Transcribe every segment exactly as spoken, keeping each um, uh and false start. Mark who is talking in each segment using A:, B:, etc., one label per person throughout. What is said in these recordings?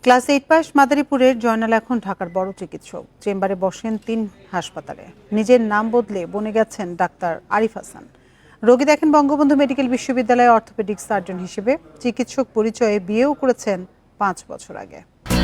A: Class eight pass মাদারীপুরের জয়নাল এখন ঢাকার বড় চিকিৎসক। চেম্বারে বসেন তিন হাসপাতালে। নিজের নাম বদলে বনে গেছেন ডাক্তার আরিফ হাসান। রোগী দেখেন বঙ্গবন্ধু মেডিকেল বিশ্ববিদ্যালয়ে অর্থোপেডিক সার্জন হিসেবে। চিকিৎসক পরিচয়ে বিয়েও করেছেন পাঁচ বছর আগে।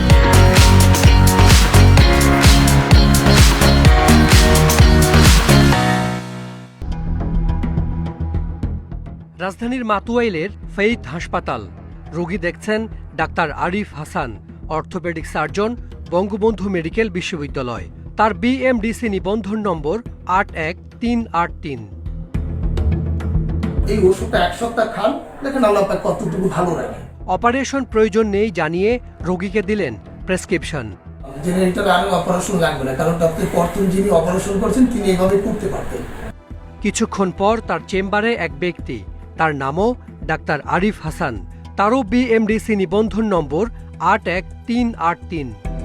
B: রাজধানীর মাতুয়াইলের ফেইথ হাসপাতাল। রোগী দেখছেন doctor Arif Hasan, orthopaedic surgeon, Bangabandhu medical বিশ্ববিদ্যালয়। তার বিএমডিসি নিবন্ধন নম্বর আট এক তিন আট তিন।
C: এই ওষুধটা এক সপ্তাহ খান, দেখেন আল্লাহ পাক কতটুকু ভালো রাখে।
B: অপারেশন প্রয়োজন নেই জানিয়ে রোগীকে দিলেন প্রেসক্রিপশন।
C: জেনারেটর আর অপারেশন লাগবে না, কারণ ডক্টর প্রথম যিনি অপারেশন করছেন তিনি এইভাবে করতে পারতেন।
B: কিছুক্ষণ পর তার চেম্বারে এক ব্যক্তি, তার নামও ডাক্তার আরিফ হাসান। তারও বিএমডিসি নিবন্ধন নম্বর আট এক তিন আট তিন।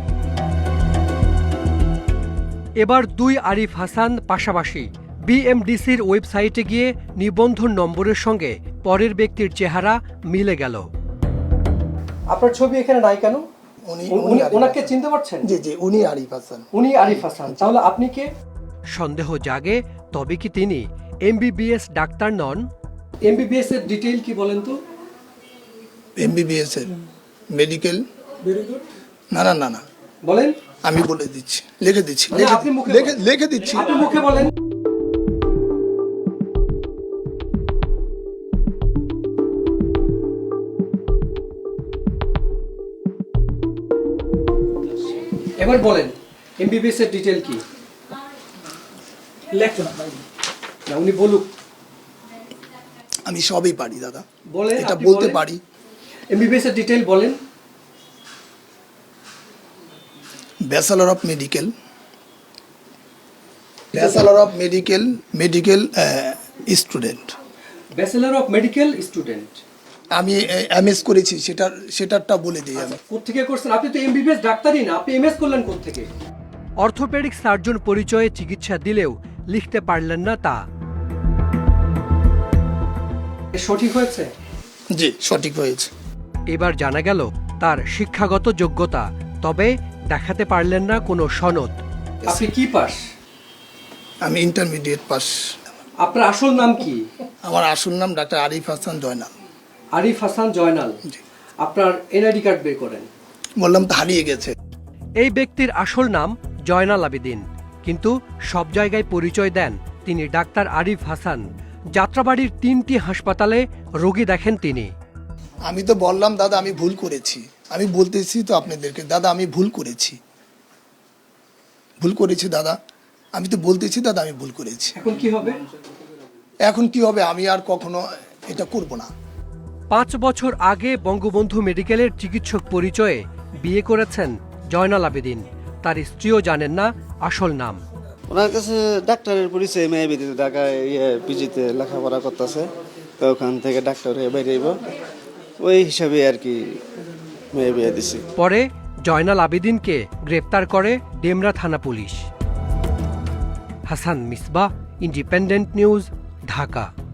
B: এবার দুই আরিফ হাসান পাশাপাশি। বিএমডিসির ওয়েবসাইটে গিয়ে নিবন্ধন নম্বরের সঙ্গে পরের ব্যক্তির চেহারা মিলে গেল।
D: আপনার ছবি এখানে নাই কেন?
C: উনি
D: ওনাকে চিনতে পারছেন?
C: জি জি, উনি আরিফ হাসান।
D: উনি আরিফ হাসান। তাহলে আপনি কে?
B: সন্দেহ জাগে, তবে কি তিনি এমবিবিএস ডাক্তার নন?
D: এমবিবিএস এর ডিটেইল কি বলেন তো?
C: এমবিবিএস এর মেডিকেল। না না না না
D: বলেন।
C: আমি বলে দিচ্ছি, লিখে দিচ্ছি,
D: মানে আপনি মুখে
C: লিখে লিখে দিচ্ছি।
D: আপনি মুখে বলেন। এবার বলেন এমবিবিএস এর ডিটেইল কি? লেখো না ভাই। না উনি বলুক।
C: আমি সবই পারি দাদা,
D: বলেন।
C: এটা বলতে পারি।
D: এমবিবিএস এর ডিটেইল বলেন।
C: Bachelor of medical, bachelor of medical medical student.
D: Bachelor of medical student.
C: আমি এমএস করেছি, সেটার সেটারটা বলে দিই আমি।
D: কোত্থেকে করছেন? আপনি তো এমবিবিএস ডাক্তারই না, আপনি এমএস করলেন কোত্থেকে?
B: অর্থোপেডিক সার্জন পরিচয়ে চিকিৎসা দিলেও লিখতে পারলেন না তা।
D: সঠিক হয়েছে?
C: জি, সঠিক হয়েছে।
B: এবার জানা গেল তার শিক্ষাগত যোগ্যতা, তবে দেখাতে পারলেন না কোনো সনদ।
D: আপনি কি পাস?
C: আমি ইন্টারমিডিয়েট পাস।
D: আপনার আসল নাম কি?
C: আমার আসল নাম ডাক্তার আরিফ হাসান জয়নাল।
D: আরিফ হাসান জয়নাল। আপনার এনআইডি কার্ড বের করেন।
C: বললাম তো হারিয়ে গেছে।
B: এই ব্যক্তির আসল নাম জয়নাল আবেদিন, কিন্তু সব জায়গায় পরিচয় দেন তিনি ডাক্তার আরিফ হাসান। যাত্রাবাড়ির তিনটি হাসপাতালে রোগী দেখেন তিনি।
C: আমি তো বললাম দাদা আমি ভুল করেছি, আমি বলতেছি তো আপনাদেরকে দাদা আমি ভুল করেছি, ভুল করেছি দাদা, আমি তো বলতেছি দাদা আমি ভুল করেছি।
D: এখন কি হবে?
C: এখন কি হবে? আমি আর কখনো এটা করব না।
B: পাঁচ বছর আগে বঙ্গবন্ধু মেডিকেলের চিকিৎসক পরিচয়ে বিয়ে করেছেন জয়নাল আবেদিন। তার স্ত্রীও জানেন না আসল নাম।
E: ওনার কাছে ডাক্তারের পরিচয়, মেয়ে বিদিতে ঢাকায় ইয়ে পিজিতে লেখাপড়া করতেছে, তো ওখান থেকে ডাক্তার হয়ে বেরিয়ে ওই হিসাবে আর কি মেয়ে বিয়ে দিছি।
B: পরে জয়নাল আবেদিনকে গ্রেপ্তার করে ডেমরা থানা পুলিশ। Hasan Misbah, Independent News, Dhaka.